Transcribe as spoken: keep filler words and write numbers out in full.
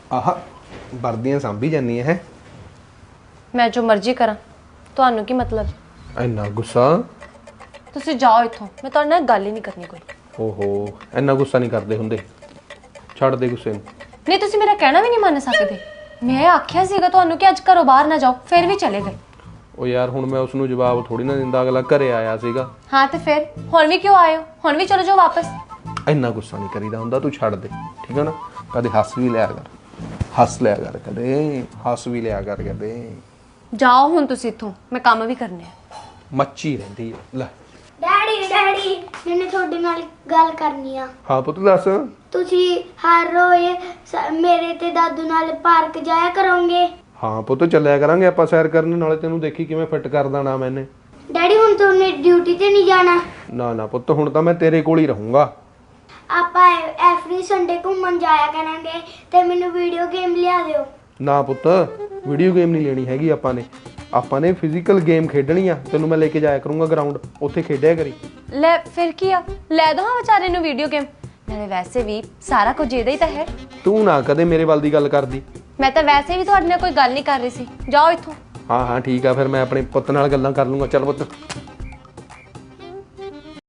ਆਹ ਵਰਦੀਆਂ ਸਾਂਭੀ ਜਾਂਦੀ ਹੈ। ਮੈਂ ਜੋ ਮਰਜ਼ੀ ਕਰਾਂ, ਤੁਹਾਨੂੰ ਕੀ ਮਤਲਬ? ਇੰਨਾ ਗੁੱਸਾ? ਤੁਸੀਂ ਜਾਓ ਇੱਥੋਂ, ਮੈਂ ਤੁਹਾਡੇ ਨਾਲ ਗੱਲ ਹੀ ਨਹੀਂ ਕਰਨੀ ਕੋਈ। ਓਹੋ, ਇੰਨਾ ਗੁੱਸਾ ਨਹੀਂ ਕਰਦੇ ਹੁੰਦੇ, ਛੱਡ ਦੇ ਗੁੱਸੇ ਨੂੰ। ਨਹੀਂ, ਤੁਸੀਂ ਮੇਰਾ ਕਹਿਣਾ ਵੀ ਨਹੀਂ ਮੰਨ ਸਕਦੇ। ਮੈਂ ਆਖਿਆ ਸੀਗਾ ਤੁਹਾਨੂੰ ਕਿ ਅੱਜ ਘਰੋਂ ਬਾਹਰ ਨਾ ਜਾਓ, ਫਿਰ ਵੀ ਚਲੇ ਗਏ। ਉਹ ਯਾਰ ਹੁਣ ਮੈਂ ਉਸ ਨੂੰ ਜਵਾਬ ਥੋੜੀ ਨਾ ਦਿੰਦਾ, ਅਗਲਾ ਘਰੇ ਆਇਆ ਸੀਗਾ। ਹਾਂ ਤੇ ਫਿਰ ਹੁਣ ਵੀ ਕਿਉਂ ਆਏ ਹੋ? ਹੁਣ ਵੀ ਚਲੇ ਜਾਓ ਵਾਪਸ। ਇੰਨਾ ਗੁੱਸਾ ਨਹੀਂ ਕਰੀਦਾ ਹੁੰਦਾ, ਤੂੰ ਛੱਡ ਦੇ, ਠੀਕ ਹੈ ਨਾ। ਕਦੇ ਹੱਸ ਵੀ ਲਿਆ ਕਰ, ਹੱਸ ਲਿਆ ਕਰ, ਕਦੇ ਹੱਸ ਵੀ ਲਿਆ ਕਰ ਕਦੇ। ਜਾਓ ਹੁਣ ਤੁਸੀਂ ਇੱਥੋਂ, ਮੈਂ ਕੰਮ ਵੀ ਕਰਨੇ ਆ। ਮੱਚੀ ਰਹਿੰਦੀ ਹੈ ਲੈ। ਡੈਡੀ ਡੈਡੀ ਮੈਨੇ ਤੁਹਾਡੇ ਨਾਲ ਗੱਲ ਕਰਨੀ ਆ। ਹਾਂ ਪੁੱਤ ਦੱਸ। ਤੁਸੀਂ ਹਰ ਰੋਜ਼ ਸ- ਮੇਰੇ ਤੇ ਦਾਦੂ ਨਾਲ ਪਾਰਕ ਜਾਇਆ ਕਰੋਗੇ? ਹਾਂ ਪੁੱਤ ਚੱਲਿਆ ਕਰਾਂਗੇ ਆਪਾਂ ਸੈਰ ਕਰਨ, ਨਾਲੇ ਤੈਨੂੰ ਦੇਖੀ ਕਿਵੇਂ ਫਿੱਟ ਕਰ ਦੇਣਾ ਮੈਨੇ। ਡੈਡੀ ਹੁਣ ਤੁਹਾਨੇ ਡਿਊਟੀ ਤੇ ਨਹੀਂ ਜਾਣਾ? ਨਾ ਨਾ ਪੁੱਤ, ਹੁਣ ਤਾਂ ਮੈਂ ਤੇਰੇ ਕੋਲ ਹੀ ਰਹੂੰਗਾ। ਆਪਾਂ ਐਵਰੀ ਸੰਡੇ ਘੁੰਮਣ ਜਾਇਆ ਕਰਾਂਗੇ ਤੇ ਮੈਨੂੰ ਵੀਡੀਓ ਗੇਮ ਲਿਆ ਦਿਓ। ਨਾ ਪੁੱਤ, ਵੀਡੀਓ ਗੇਮ ਨਹੀਂ ਲੈਣੀ ਹੈਗੀ ਆਪਾਂ ਨੇ। ਆਪਾਂ ਨੇ ਫਿਜ਼ੀਕਲ ਗੇਮ ਖੇਡਣੀ ਆ, ਤੈਨੂੰ ਮੈਂ ਲੈ ਕੇ ਜਾਇਆ ਕਰੂੰਗਾ ਗਰਾਊਂਡ, ਉੱਥੇ ਖੇਡਿਆ ਕਰੀ। ਲੈ ਫਿਰ ਕੀ ਆ, ਲੈ ਦੋ ਹਾਂ ਵਿਚਾਰੇ ਨੂੰ ਵੀਡੀਓ ਗੇਮ। ਨਾਲੇ ਵੈਸੇ ਵੀ ਸਾਰਾ ਕੁਝ ਇਹਦਾ ਹੀ ਤਾਂ ਹੈ। ਤੂੰ ਨਾ ਕਦੇ ਮੇਰੇ ਵੱਲ ਦੀ ਗੱਲ ਕਰਦੀ। ਮੈਂ ਤਾਂ ਵੈਸੇ ਵੀ ਤੁਹਾਡੇ ਨਾਲ ਕੋਈ ਗੱਲ ਨਹੀਂ ਕਰ ਰਹੀ ਸੀ। ਜਾਓ ਇੱਥੋਂ। ਹਾਂ ਹਾਂ ਠੀਕ ਆ, ਫਿਰ ਮੈਂ ਆਪਣੇ ਪੁੱਤ ਨਾਲ ਗੱਲਾਂ ਕਰ ਲੂੰਗਾ। ਚੱਲ ਪੁੱਤ।